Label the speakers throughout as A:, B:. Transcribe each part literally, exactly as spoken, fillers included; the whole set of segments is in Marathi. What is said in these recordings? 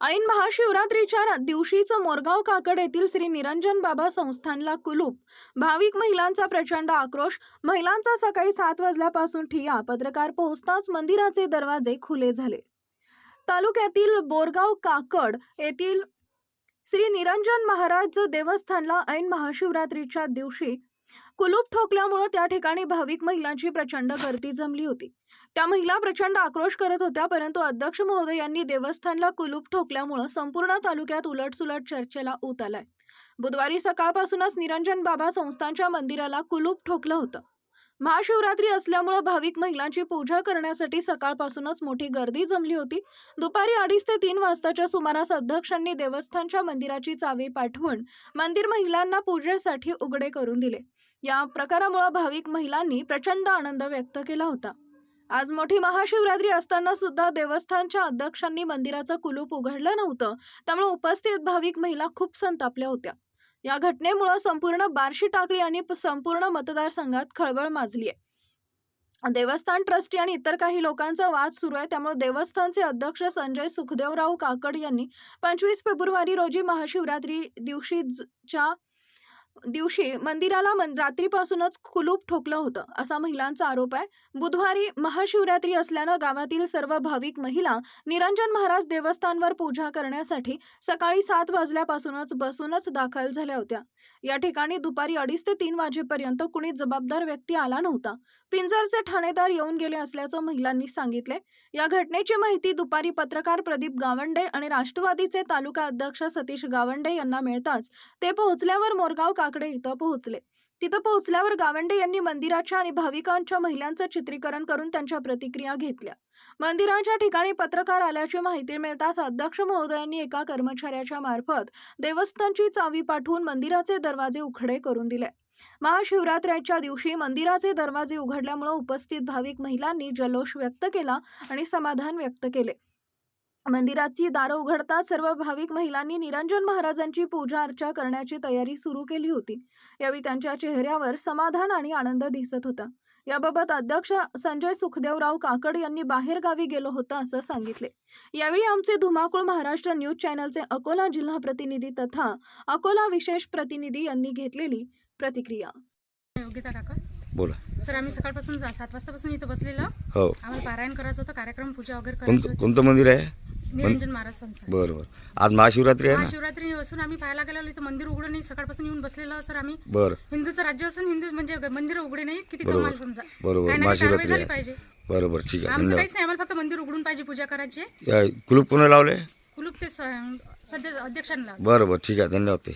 A: ऐन महाशिवरात्रीच्या दिवशीच मोरगाव काकड येथील श्री निरंजन बाबा संस्थानला कुलूप. भाविक महिलांचा प्रचंड आक्रोश. महिलांचा सकाळी सात वाजल्यापासून ठिय्या. पत्रकार पोहोचताच मंदिराचे दरवाजे खुले झाले. तालुक्यातील बोरगाव काकड येथील श्री निरंजन महाराज देवस्थानला ऐन महाशिवरात्रीच्या दिवशी कुलूप ठोकल्यामुळे त्या ठिकाणी भाविक महिलांची प्रचंड गर्दी जमली होती. त्या महिला प्रचंड आक्रोश करत होत्या, परंतु अध्यक्ष महोदय यांनी देवस्थानला कुलूप ठोकल्यामुळे संपूर्ण तालुक्यात उलटसुलट चर्चेला ऊत आलाय. बुधवारी सकाळपासूनच निरंजन बाबा संस्थानच्या मंदिराला कुलूप ठोकलं होतं. महाशिवरात्री असल्यामुळे भाविक महिलांची पूजा करण्यासाठी सकाळपासूनच मोठी गर्दी जमली होती. दुपारी अडीच ते तीन वाजताच्या सुमारास अध्यक्षांनी देवस्थानच्या मंदिराची चावी पाठवून मंदिर महिलांना पूजेसाठी उघडे करून दिले. या प्रकारामुळे भाविक महिलांनी प्रचंड आनंद व्यक्त केला होता. आज मोठी महाशिवरात्री असताना सुद्धा देवस्थानच्या अध्यक्षांनी मंदिराचं कुलूप उघडलं नव्हतं, त्यामुळे उपस्थित भाविक महिला खूप संतापल्या होत्या. या घटनेमुळे संपूर्ण बार्शी टाकळी आणि संपूर्ण मतदारसंघात खळबळ माजली आहे. देवस्थान ट्रस्टी आणि इतर काही लोकांचा वाद सुरू आहे. त्यामुळे देवस्थानचे अध्यक्ष संजय सुखदेवराव काकड यांनी पंचवीस फेब्रुवारी रोजी महाशिवरात्री दिवशीच्या दिवशी मंदिराला मन रात्रीपासूनच कुलूप ठोकलं होतं, असा महिलांचा आरोप आहे. बुधवारी महाशिवरात्री असल्यानं गावातील सर्व भाविक महिला निरंजन महाराज देवस्थानवर पूजा करण्यासाठी सकाळी सात वाजल्यापासूनच बसूनच दाखल झाल्या होत्या. या ठिकाणी दुपारी अडीच ते तीन वाजेपर्यंत कुणी जबाबदार व्यक्ती आला नव्हता. पिंजरचे ठाणेदार येऊन गेले असल्याचं महिलांनी सांगितले. या घटनेची माहिती दुपारी पत्रकार प्रदीप गावंडे आणि राष्ट्रवादीचे तालुका अध्यक्ष सतीश गावंडे यांना मिळताच ते पोहोचल्यावर मोरगाव काकडे इथं पोहोचले. तिथं पोहोचल्यावर गावंडे यांनी मंदिराच्या आणि भाविकांच्या महिलांचं चित्रीकरण करून त्यांच्या प्रतिक्रिया घेतल्या. मंदिराच्या ठिकाणी पत्रकार आल्याची माहिती मिळताच अध्यक्ष महोदयांनी एका कर्मचाऱ्याच्या मार्फत देवस्थानची चावी पाठवून मंदिराचे दरवाजे उघडे करून दिले. महाशिवरात्रीच्या दिवशी मंदिराचे दरवाजे उघडल्यामुळे उपस्थित भाविक महिलांनी जल्लोष व्यक्त केला आणि समाधान व्यक्त केले. मंदिराची दारं उघडताच सर्व भाविक महिलांनी निरंजन महाराजांची पूजा अर्चा करण्याची तयारी सुरू केली होती. यावेळी त्यांच्या चेहऱ्यावर समाधान आणि आनंद दिसत होता. याबाबत अध्यक्ष संजय सुखदेवराव काकड यांनी बाहेर गावी गेलो होतं असं सांगितले. यावेळी आमचे धुमाकूळ महाराष्ट्र न्यूज चॅनलचे अकोला जिल्हा प्रतिनिधी तथा अकोला विशेष प्रतिनिधी यांनी घेतलेली प्रतिक्रिया.
B: योगिता काका
C: बोला
B: सर, आम्ही सकाळपासून सात वाजतापासून इथं बसलेलो.
C: हो,
B: आम्हाला पारायण करायचं होतं, कार्यक्रम पूजा वगैरे करायची
C: कोणतं
B: होती.
C: कोणतं मंदिर आहे?
B: निरंजन महाराज संस्थान.
C: बरं बरं. आज महाशिवरात्री आहे ना?
B: महाशिवरात्री असून आम्ही पाहायला गेलो, इथं मंदिर उघडं नाही. सकाळपासून येऊन बसलेलो सर आम्ही.
C: बरं.
B: हिंदूचं राज्य असून हिंदू म्हणजे मंदिर उघडे नाही, किती
C: बरोबर.
B: कमाल समजा.
C: बरोबर.
B: काय नाही, कारवाई
C: महाशिवरात्री
B: झाली
C: आहे.
B: पाहिजे.
C: बरोबर, ठीक आहे.
B: आमचं
C: धन्यवाद.
B: काहीच नाही, आम्हाला फक्त मंदिर उघडून पाहिजे, पूजा करायची.
C: या कुलूप कोणा लावले?
B: कुलूप ते स- सध्या अध्यक्षांना.
C: बरं बरं, ठीक आहे. धन्यवाद. ते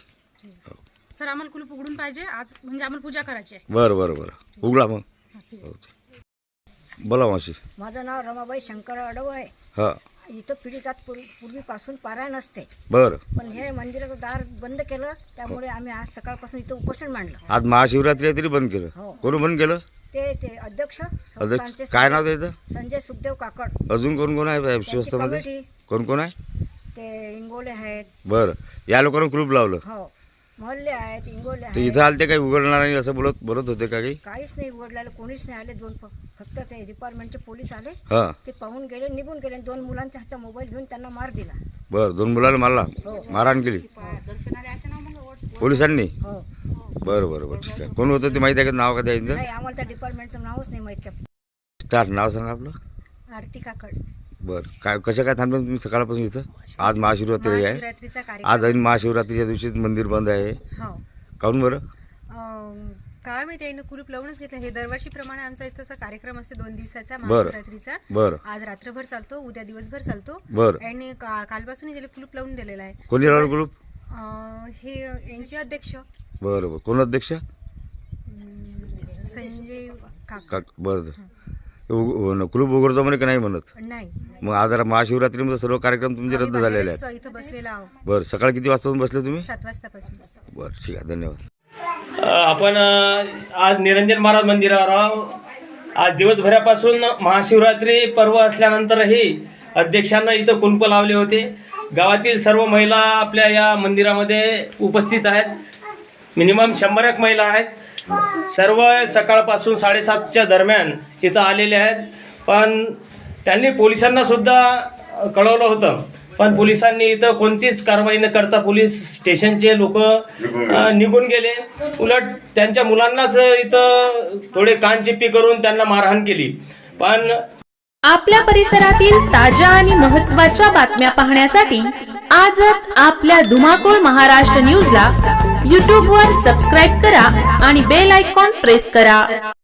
B: सर आम्हाला कुलूप उघडून पाहिजे आज, म्हणजे आम्हाला पूजा करायची आहे.
C: बरं बरं बरं, उघडा मग.
B: हा, ठीक आहे.
C: हो. बोला मावशी.
D: माझं नाव रमाबाई शंकर अडव आहे.
C: हां,
D: इथं पिढीजात पूर्वी पूर्वीपासून पारायण असते,
C: बरं.
D: पण हे मंदिराचं दार बंद केलं, त्यामुळे आम्ही आज सकाळपासून इथं उपोषण मांडलं.
C: आज महाशिवरात्री आहे तरी बंद केलं?
D: हो.
C: कोण बंद केलं?
D: ते ते अध्यक्ष
C: अध्यक्ष
D: संस्थानचे
C: काय नाव
D: संजय-
C: त्याचं?
D: संजय सुखदेव काकड.
C: अजून कोण कोण आहे
D: त्यांची
C: शिवस्थामध्ये?
D: कमिटी,
C: कोण कोण आहे?
D: ते इंगोले आहेत.
C: बरं. या लोकांना कुलूप लावलं?
D: हो, मोहल्ले आहेत, इंगोले
C: तर
D: आहेत.
C: इथं आले ते काही उघडणार नाही असं बोलत बोलत होते का काही?
D: काहीच नाही उघडलेलं, कोणीच नाही आले. दोन फ- फक्त ते डिपार्टमेंटचे पोलीस आले,
C: हां,
D: ते पाहून गेले, निघून गेले. दोन मुलांच्या हातात मोबाईल घेऊन त्यांना मार दिला.
C: बरं. दोन मुलाला मारला, मारहाण केली पोलिसांनी?
D: हो,
C: बरं बरं बरं, ठीक आहे. कोण होतं ते माहिती आहे का? नाव का द्यायचं?
D: नाही आम्हाला त्या डिपार्टमेंटचं नावच नाही माहिती.
C: स्टार्ट नाव सांगा आपलं.
D: आरती काकड.
C: बरं. काय कसं काय थांबलं तुम्ही सकाळपासून इथं? आज महाशिवरात्री आहे.
D: महाशिवरात्रीचा कार्यक्रम.
C: आज ऐन महाशिवरात्रीच्या दिवशी मंदिर बंद आहे.
E: हो.
C: काहून बरं?
E: अं, काय माहिती आहे, कुलूप लावूनच घेतलं. हे दरवर्षीप्रमाणे आमचा इथंचा कार्यक्रम असते दोन दिवसाचा
C: बरं.
E: महाशिवरात्रीचा.
C: बरं
E: आज रात्रभर चालतो, उद्या दिवसभर चालतो.
C: बरं.
E: आणि का कालपासून त्याला कुलूप लावून दिलेला आहे.
C: कोणी लावलं कुलूप?
E: अं, हे यांचे अध्यक्ष
C: बरं बरं. कोण अध्यक्ष?
E: अं, संजय काका.
C: का बरं. ते उघ- न- कुलूप उघडतो म्हणे का नाही म्हणत?
E: नाही,
C: मग आज महाशिवरात्रीमध्ये सर्व कार्यक्रम तुमचे
E: आम्ही
C: रद्द झालेले
E: बाहेरच
C: आहेत?
E: इथं बसलेला आहोत
C: बरं. सकाळी किती वाजता बसले तुम्ही?
E: सात वाजतापासून.
C: बरं, ठीक आहे. धन्यवाद.
F: अ, आपण अ, आज निरंजन महाराज मंदिरावर आहोत. आज दिवसभरापासून महाशिवरात्री पर्व असल्यानंतरही अध्यक्षांना इथं कुंप लावले होते. गावातील सर्व महिला आपल्या या मंदिरामध्ये उपस्थित आहेत. मिनिमम शंभर एक महिला आहेत. सर्व सकाळपासून साडेसातच्या दरम्यान इथं आलेले आहेत. पण त्यांनी पोलिसांना सुद्धा कळवलं होतं पण पोलिसांनी इथं कोणतीच कारवाई न करता पोलीस स्टेशनचे लोक निघून गेले. उलट त्यांच्या मुलांनाच इथं थोडे कानचिप्पी करून त्यांना मारहाण केली. पण
G: आपल्या परिसरातील ताज्या आणि महत्त्वाच्या बातम्या पाहण्यासाठी आजच आपल्या धुमाकूळ महाराष्ट्र न्यूजला यूट्यूबवर सबस्क्राईब करा आणि बेल आयकॉन प्रेस करा.